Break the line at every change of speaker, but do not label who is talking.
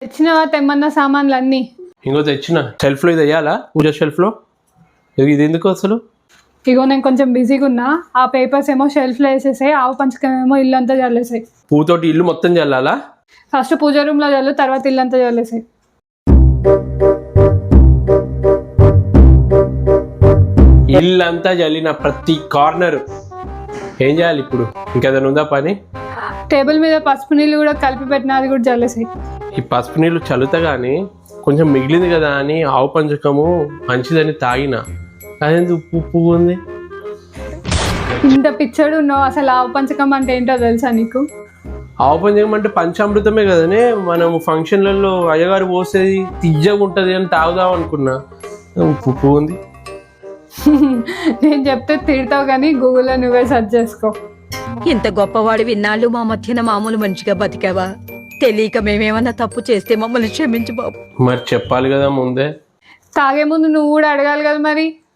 తెచ్చినవా తెమ్మన్న సామాన్లు అన్నీ?
ఇంకో తెచ్చిన. షెల్ఫ్లో ఇది వేయాలా? పూజ షెల్ఫ్లో ఇది ఎందుకు అసలు?
ఇగో నేను కొంచెం బిజీగా ఉన్నా. ఆ పేపర్స్ ఏమో షెల్ఫ్లో వేసేసాయి, ఆవు పంచకం ఏమో ఇల్లు అంతా చల్లేసాయి.
పూతోటి ఇల్లు మొత్తం చల్లాలా?
ఫస్ట్ పూజ రూమ్లో చల్లు, తర్వాత ఇల్లు అంతా చల్లేసాయి.
ఇల్లంతా చల్లిన ప్రతి కార్నర్ ఏం చేయాలి ఇప్పుడు? ఇంకేదైనా ఉందా పని?
టేబుల్ మీద పసుపు నీళ్ళు కూడా కలిపి పెట్టిన, అది కూడా చల్లేసాయి.
ఈ పసుపు నీళ్ళు చల్లుతా కానీ కొంచెం మిగిలింది కదా అని ఆవు పంచకము మంచిదని తాగిన, అదేంది ఉప్పు ఉప్పు ఉంది.
ఇంత పిచ్చడు ఉన్నావు, అసలు ఆవు పంచకం అంటే ఏంటో తెలుసా నీకు?
ఆవు పంచకం అంటే పంచామృతమే కదనే. మనం ఫంక్షన్లలో అయ్యగారు పోసేది తియ్యగా ఉంటుంది అని తాగుదాం అనుకున్నా, ఉప్పు ఉప్పు ఉంది.
నేను చెప్తే తిడతావు కానీ గూగుల్లో నువ్వే సెర్చ్ చేసుకో.
ఇంత గొప్పవాడు విన్నాళ్ళు మా మధ్యన మామూలు మంచిగా బతికావా? తెలియక మేమేమన్నా తప్పు చేస్తే మమ్మల్ని క్షమించు బాబు.
మరి చెప్పాలి కదా ముందే.
తాగే ముందు నువ్వు కూడా అడగాలి కదా మరి.